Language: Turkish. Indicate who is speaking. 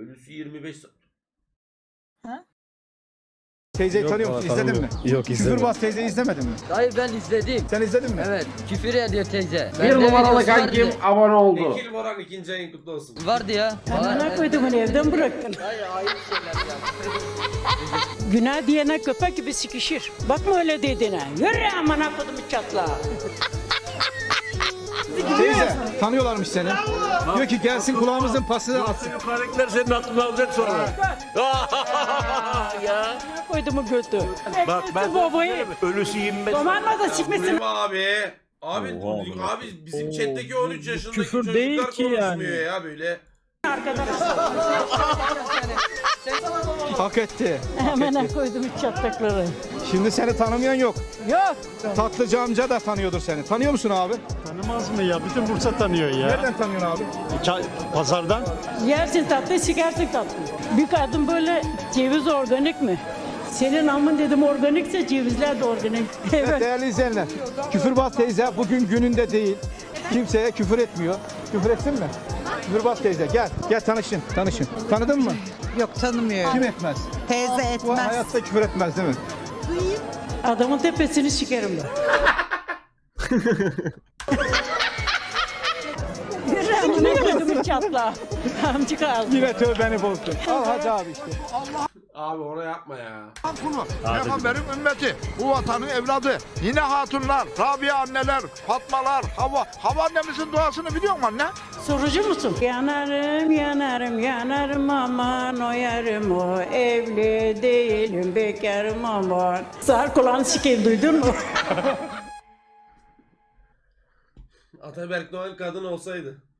Speaker 1: Ölüsü 25 saat.
Speaker 2: Teyzeyi tanıyor musun? İzledin mi?
Speaker 3: Yok izlemedim.
Speaker 2: Küfürbaz teyzeyi izlemedin mi?
Speaker 4: Hayır ben izledim.
Speaker 2: Sen izledin mi?
Speaker 4: Evet, küfür ediyor teyze.
Speaker 5: Bir
Speaker 4: Bende
Speaker 5: numaralı
Speaker 4: videosu vardı.
Speaker 5: kankim abone oldu.
Speaker 1: Tekil Boran ikinci ayın kutlu olsun.
Speaker 4: Vardı ya.
Speaker 6: Amına koydum onu evden bıraktın.
Speaker 4: Hayır, ayıp şeyler ya.
Speaker 6: Günah diyene köpek gibi sikişir. Bakma öyle dediğine. Yürü amına koydum çatla.
Speaker 2: Teyze tanıyorlarmış seni. Diyor ki gelsin kulağımızın pasını atsın.
Speaker 3: Yukarıdakiler senin aklını alacak sonra. Ya.
Speaker 6: Amına koydum götü.
Speaker 3: Bak ben
Speaker 6: babayı.
Speaker 3: ölüsü 25.
Speaker 6: Domarma da sikmesin.
Speaker 1: Benim abi. Abi,
Speaker 3: Oha,
Speaker 1: abi bizim chatteki 13 yaşındaki
Speaker 7: küfür
Speaker 1: çocuklar
Speaker 7: değil ki yani.
Speaker 1: konuşmuyor ya böyle.
Speaker 2: Hak etti.
Speaker 6: Amına koydum çatlakları.
Speaker 2: Şimdi seni tanımayan yok.
Speaker 6: Yok.
Speaker 2: Tatlıcı amca da tanıyordur seni. Tanıyor musun abi?
Speaker 7: Tanımaz mı ya? Bütün Bursa tanıyor ya.
Speaker 2: Nereden tanıyorsun abi?
Speaker 7: Pazardan.
Speaker 6: Yersin tatlı, sikersin tatlı. Bir kadın böyle ceviz organik mi? Senin amın dedim organikse cevizler de organik.
Speaker 2: Evet
Speaker 6: Evet.
Speaker 2: değerli izleyenler. Küfürbaz teyze bugün gününde değil. Kimseye küfür etmiyor. Küfür etsin mi? Küfürbaz teyze gel. Gel tanışın. Tanışın. Tanıdın mı?
Speaker 8: Yok tanımıyorum.
Speaker 2: Kim etmez?
Speaker 8: Teyze
Speaker 2: Bu
Speaker 8: etmez.
Speaker 2: hayatta küfür etmez değil mi?
Speaker 6: Adamın tepesini sikerim ben. Amına koydum çatla. Amcık aldı.
Speaker 2: Yine tövbeni bozdu. Al hadi abi işte.
Speaker 1: Abi onu yapma ya.
Speaker 9: Kulu, Peygamberin ümmeti, bu vatanın evladı, yine hatunlar, Rabia anneler, Fatmalar, Hava annemizin duasını biliyor musun anne?
Speaker 6: Sorucu musun? Yanarım, yanarım, yanarım aman o yarım o. Evli değilim, bekarım aman. Sağır kulağını sikeyim duydun mu?
Speaker 1: Ataberk Doğan kadın olsaydı.